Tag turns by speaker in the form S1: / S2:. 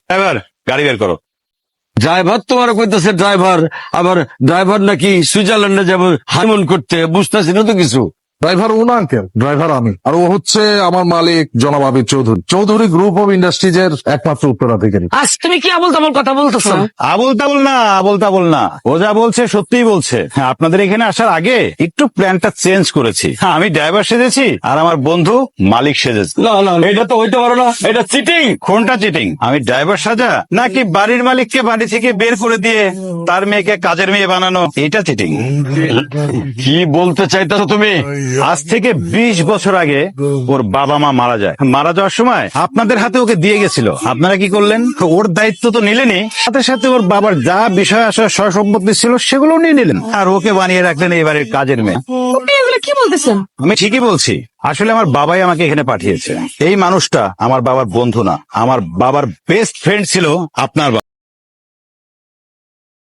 S1: Driver, গাড়ি বের করো।
S2: ড্রাইভার তোমার কইতেছে ড্রাইভার, আবার ড্রাইভার নাকি সুইজারল্যান্ডে যাবো হানিমুন করতে, বুঝতেছি না তো কিছু।
S3: ড্রাইভার ও না আঙ্কেল, ড্রাইভার আমি। আর ও হচ্ছে আমার মালিক জনাব Abir Chowdhury. Chowdhury group of industries এর একমাত্র উত্তরাধিকারী।
S4: আজ তুমি কি আবল তাবল কথা বলতেছো?
S1: আবল তাবল না, আবল তাবল না, ও যা বলছে সত্যিই বলছে। হ্যাঁ, আপনাদের এখানে আসার আগে একটু প্ল্যানটা চেঞ্জ করেছি। হ্যাঁ, আমি ড্রাইভার সেজেছি আর আমার বন্ধু মালিক সেজেছে।
S2: না না, এটা তো হইতে পারো না, এটা চিটিং।
S1: কোনটা চিটিং? আমি ড্রাইভার সাজা নাকি বাড়ির মালিককে বাড়ি থেকে বের করে দিয়ে তার মেয়েকে কাজের মেয়ে বানানো, এটা চিটিং।
S2: কি বলতে চাইতেছো তুমি?
S1: আজ থেকে 20 বছর আগে ওর বাবা মা মারা যায়। মারা যাওয়ার সময় আপনাদের হাতে ওকে দিয়ে গেছিল, আপনারা কি করলেন? ওর দায়িত্ব তো নিলেনই, সাথে সাথে ওর বাবার যা বিষয় আসা সয় সম্পত্তি ছিল সেগুলো নিয়ে নিলেন, আর ওকে বানিয়ে রাখলেন এবারে কাজের মেয়ে।
S4: আপনি এগুলো কি বলতেছেন?
S1: আমি ঠিকই বলছি। আসলে আমার বাবাই আমাকে এখানে পাঠিয়েছে। এই মানুষটা আমার বাবার বন্ধু না, আমার বাবার বেস্ট ফ্রেন্ড ছিল আপনার বাবা।